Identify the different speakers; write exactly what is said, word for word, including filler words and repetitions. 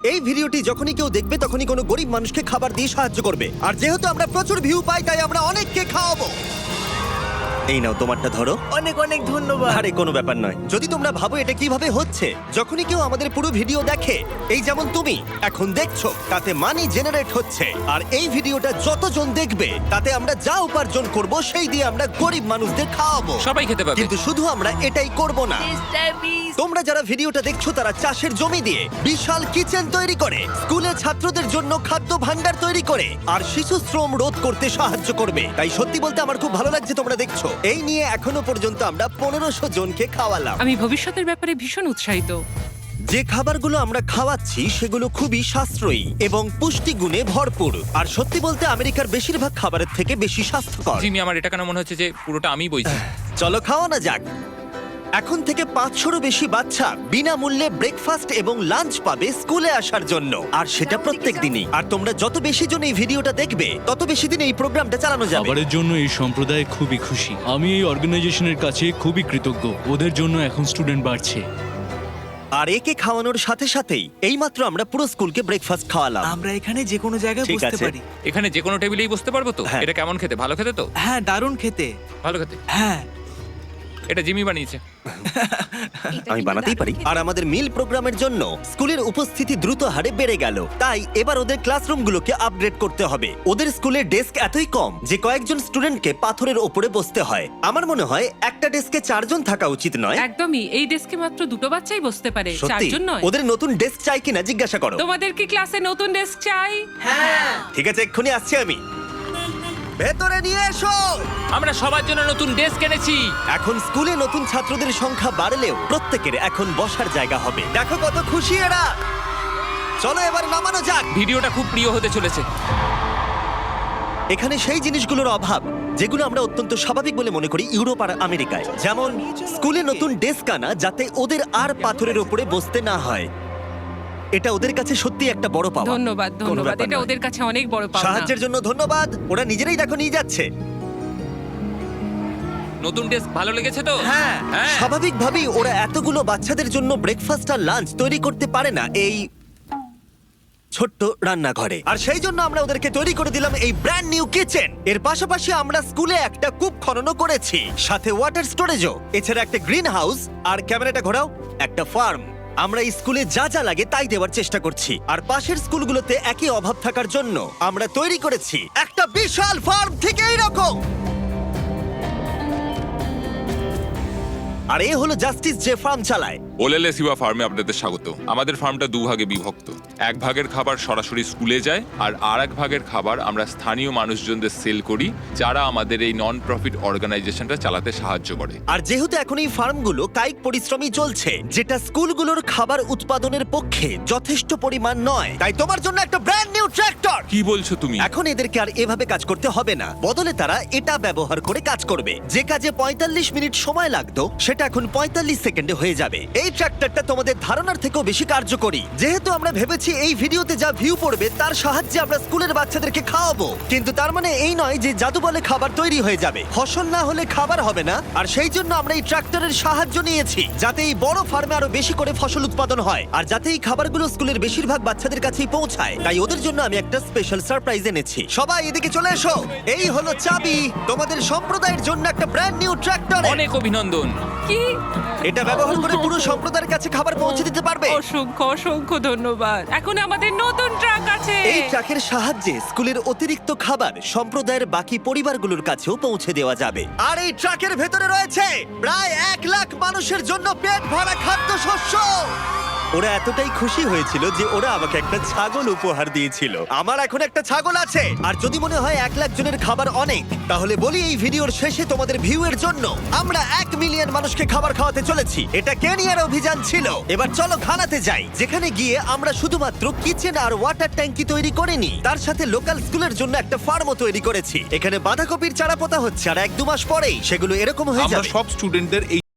Speaker 1: এই ভিডিওটি যখনই কেউ দেখবে তখনই কোনো গরিব মানুষকে খাবার দিয়ে সাহায্য করবে। আর যেহেতু আমরা প্রচুর ভিউ পাই তাই আমরা অনেককে খাওয়াবো। এই নাও তোমারটা ধরো।
Speaker 2: অনেক অনেক ধন্যবাদ।
Speaker 1: আরে কোনো ব্যাপার নয়। যদি তোমরা ভাবো এটা কিভাবে হচ্ছে, যখনই কেউ আমাদের পুরো ভিডিও দেখে, এই যেমন তুমি এখন দেখছো, তাতে মানি জেনারেট হচ্ছে। আর এই ভিডিওটা যতজন দেখবে তাতে আমরা যা উপার্জন করব সেই দিয়ে আমরা গরিব মানুষদের খাওয়াবো।
Speaker 3: সবাই খেতে পাবে।
Speaker 1: কিন্তু শুধু আমরা এটাই করব না।
Speaker 2: মিস্টার বিস্ট,
Speaker 1: তোমরা যারা ভিডিওটা দেখছো তারা চাষের জমি দিয়ে বিশাল কিচেন তৈরি করে, স্কুলে ছাত্রদের জন্য খাদ্য ভান্ডার তৈরি করে, আর শিশু শ্রম রোধ করতে সাহায্য করবে। তাই সত্যি বলতে আমার খুব ভালো লাগছে তোমরা দেখছো। এই নিয়ে এখনো পর্যন্ত আমরা পনেরোশো জনকে খাওয়ালাম।
Speaker 4: আমি ভবিষ্যতের ব্যাপারে ভীষণ উৎসাহিত।
Speaker 1: যে খাবারগুলো আমরা খাওয়াচ্ছি সেগুলো খুবই সাশ্রয়ী এবং পুষ্টিগুণে ভরপুর। আর সত্যি বলতে আমেরিকার বেশিরভাগ খাবারের থেকে বেশি স্বাস্থ্যকর।
Speaker 3: জিমি, আমার এটা কেন মনে হচ্ছে যে পুরোটা আমি বইছি।
Speaker 1: চলো খাওয়ানো যাক। এখন থেকে পাঁচশোরও বেশি বাচ্চা বিনামূল্যে ব্রেকফাস্ট এবং লাঞ্চ পাবে স্কুলে আসার জন্য, আর সেটা প্রত্যেক দিনই। আর তোমরা যত বেশি জন এই ভিডিওটা দেখবে তত বেশি দিন এই প্রোগ্রামটা চালানো যাবে।
Speaker 5: খাবারের জন্য এই সম্প্রদায় খুবই খুশি। আমি এই অর্গানাইজেশনের কাছে খুবই কৃতজ্ঞ। ওদের জন্য এখন স্টুডেন্ট বাড়ছে।
Speaker 1: আর একে খাওয়ানোর সাথে সাথেই এইমাত্র আমরা পুরো স্কুলকে ব্রেকফাস্ট খাওয়ালাম।
Speaker 2: আমরা এখানে যে কোনো জায়গায়
Speaker 1: ঠিক
Speaker 2: বসতে
Speaker 1: আছে।
Speaker 2: পারি।
Speaker 3: এখানে যে কোনো টেবিলেই বসতে পারবো তো?
Speaker 1: হ্যাঁ।
Speaker 3: এটা কেমন খেতে? ভালো খেতে তো?
Speaker 2: হ্যাঁ, দারুণ খেতে।
Speaker 3: ভালো খেতে।
Speaker 2: হ্যাঁ,
Speaker 3: এটা জিমি বানিয়েছে।
Speaker 1: আমি বানাতেই পারি। আর আমাদের মিল প্রোগ্রামের জন্য স্কুলের উপস্থিতি দ্রুত হারে বেড়ে গেল। তাই এবার ওদের ক্লাসরুমগুলোকে আপগ্রেড করতে হবে। ওদের স্কুলের ডেস্ক এতই কম যে কয়েকজন স্টুডেন্টকে পাথরের ওপরে বসতে হয়। আমার মনে হয় একটা ডেস্কে চারজন থাকা উচিত নয়।
Speaker 4: একদমই, এই ডেস্কে মাত্র দুটো বাচ্চাই বসতে পারে,
Speaker 1: সত্যি?
Speaker 4: চারজন নয়।
Speaker 1: ওদের নতুন ডেস্ক চাই কিনা জিজ্ঞাসা করো।
Speaker 4: তোমাদের কি ক্লাসে নতুন ডেস্ক চাই?
Speaker 1: ঠিক আছে, এক্ষুনি আসছি আমি। ভেতরে নিয়ে এসো।
Speaker 3: আমরা সবার জন্য নতুন ডেস্ক এনেছি।
Speaker 1: এখন স্কুলে নতুন ছাত্রদের সংখ্যা বাড়লেও প্রত্যেকের এখন বসার জায়গা হবে। দেখো কত খুশি এরা। চলো এবার নামানো যাক।
Speaker 3: ভিডিওটা খুব প্রিয় হতে চলেছে।
Speaker 1: এখানে সেই জিনিসগুলোর অভাব যেগুলো আমরা অত্যন্ত স্বাভাবিক বলে মনে করি ইউরোপ আর আমেরিকায়, যেমন স্কুলে নতুন ডেস্ক আনা যাতে ওদের আর পাথরের উপরে বসতে না হয়। এটা ওদের কাছে সত্যি একটা বড় পাওয়া।
Speaker 4: ধন্যবাদ,
Speaker 1: কোনো
Speaker 4: ধন্যবাদ।
Speaker 1: ব্যাপার
Speaker 4: এটা
Speaker 1: নয়।
Speaker 4: ওদের কাছে অনেক বড় পাওনা।
Speaker 1: সাহায্যের জন্য ধন্যবাদ। ওরা নিজেরাই দেখো নিয়ে যাচ্ছে।
Speaker 3: নতুন ডেস্ক ভালো লেগেছে তো?
Speaker 1: হ্যাঁ,
Speaker 3: হ্যাঁ।
Speaker 1: স্বাভাবিকভাবেই ওরা এতগুলো বাচ্চাদের জন্য ব্রেকফাস্ট আর লাঞ্চ তৈরি করতে পারে না এই ছোট্ট রান্নাঘরে। আর সেই জন্য আমরা ওদেরকে তৈরি করে দিলাম এই ব্র্যান্ড নিউ কিচেন। এর পাশাপাশি আমরা স্কুলে একটা কূপ খননও করেছি, সাথে ওয়াটার স্টোরেজও। এছাড়া একটা গ্রিন হাউস, আর ক্যামেরাটা ঘোরাও, একটা ফার্ম। আমরা এই স্কুলে যা যা লাগে তাই দেওয়ার চেষ্টা করছি। আর পাশের স্কুলগুলোতে একই অভাব থাকার জন্য আমরা তৈরি করেছি একটা বিশাল ফার্ম থেকে এইরকম। আর এ হলো জাস্টিস যে ফার্ম চালায়।
Speaker 6: ওলেলে সিবা ফার্মে আপনাদের স্বাগত। আমাদের ফার্মটা দুভাগে বিভক্ত। এক ভাগের খাবার সরাসরি স্কুলে যায়, আর আর এক ভাগের খাবার আমরা স্থানীয় মানুষজনদের সেল করি, যারা আমাদের এই নন প্রফিট অর্গানাইজেশনটা চালাতে সাহায্য করে।
Speaker 1: আর যেহেতু এখন এই ফার্মগুলো কায়িক পরিশ্রমই চলছে, যেটা স্কুলগুলোর খাবার উৎপাদনের পক্ষে যথেষ্ট পরিমাণ নয়, তাই তোমার জন্য একটা ব্র্যান্ড নিউ ট্র্যাক্টর।
Speaker 6: কি বলছো তুমি?
Speaker 1: এখন এদেরকে আর এভাবে কাজ করতে হবে না, বদলে তারা এটা ব্যবহার করে কাজ করবে। যে কাজে পঁয়তাল্লিশ মিনিট সময় লাগতো সেটা এখন পঁয়তাল্লিশ সেকেন্ডে হয়ে যাবে। এই ট্র্যাক্টরটা তোমাদের ধারণার থেকেও বেশি কার্যকরী। যেহেতু আমরা ভেবেছি এই ভিডিওতে যা ভিউ পড়বে তার সাহায্যে আমরা স্কুলের বাচ্চাদেরকে খাওয়াবো, কিন্তু তার মানে এই নয় যে জাদু বলে খাবার তৈরি হয়ে যাবে। ফসল না হলে খাবার হবে না। আর সেই জন্য আমরা এই ট্র্যাক্টরের সাহায্য নিয়েছি, যাতে এই বড় ফার্মে আরো বেশি করে ফসল উৎপাদন হয়, আর যাতে এই খাবারগুলো স্কুলের বেশিরভাগ বাচ্চাদের কাছেই পৌঁছায়। তাই ওদের জন্য আমি একটা স্পেশাল সারপ্রাইজ এনেছি। সবাই এদিকে চলে এসো। এই হলো চাবি তোমাদের সম্প্রদায়ের জন্য একটা ব্র্যান্ড নিউ ট্র্যাক্টর।
Speaker 3: অনেক অভিনন্দন।
Speaker 4: কি?
Speaker 1: এটা ব্যবহার করে পুরো সম্প্রদায়ের কাছে খাবার পৌঁছে দিতে পারবে।
Speaker 4: অসংখ্য অসংখ্য ধন্যবাদ। এখন আমাদের নতুন ট্রাক আছে।
Speaker 1: এই ট্রাকের সাহায্যে স্কুলের অতিরিক্ত খাবার সম্প্রদায়ের বাকি পরিবারগুলোর কাছেও পৌঁছে দেওয়া যাবে। আর এই ট্রাকের ভেতরে রয়েছে প্রায় এক লাখ মানুষের জন্য পেট ভরা খাদ্যশস্য। ওরা এতটাই খুশি হয়েছিল যে ওরা আমাকে একটা ছাগল উপহার দিয়েছিল। আমার এখন একটা ছাগল আছে। আর যদি মনে হয় এক লাখ জনের খাবার অনেক, তাহলে বলি এই ভিডিওর শেষে তোমাদের ভিউ এর জন্য আমরা এক মিলিয়ন মানুষকে খাবার খাওয়াতে চলেছি। এটা কেনিয়ার অভিযান ছিল। এবার চলো ঘানাতে যাই, যেখানে গিয়ে আমরা শুধুমাত্র কিচেন আর ওয়াটার ট্যাঙ্কি তৈরি করিনি, তার সাথে লোকাল স্কুলের জন্য একটা ফার্মও তৈরি করেছি। এখানে বাঁধাকপির চারা পোতা হচ্ছে, আর এক দু মাস পরেই সেগুলো এরকম হয়ে
Speaker 6: আমরা
Speaker 1: যাবে।
Speaker 6: সব স্টুডেন্টদের এই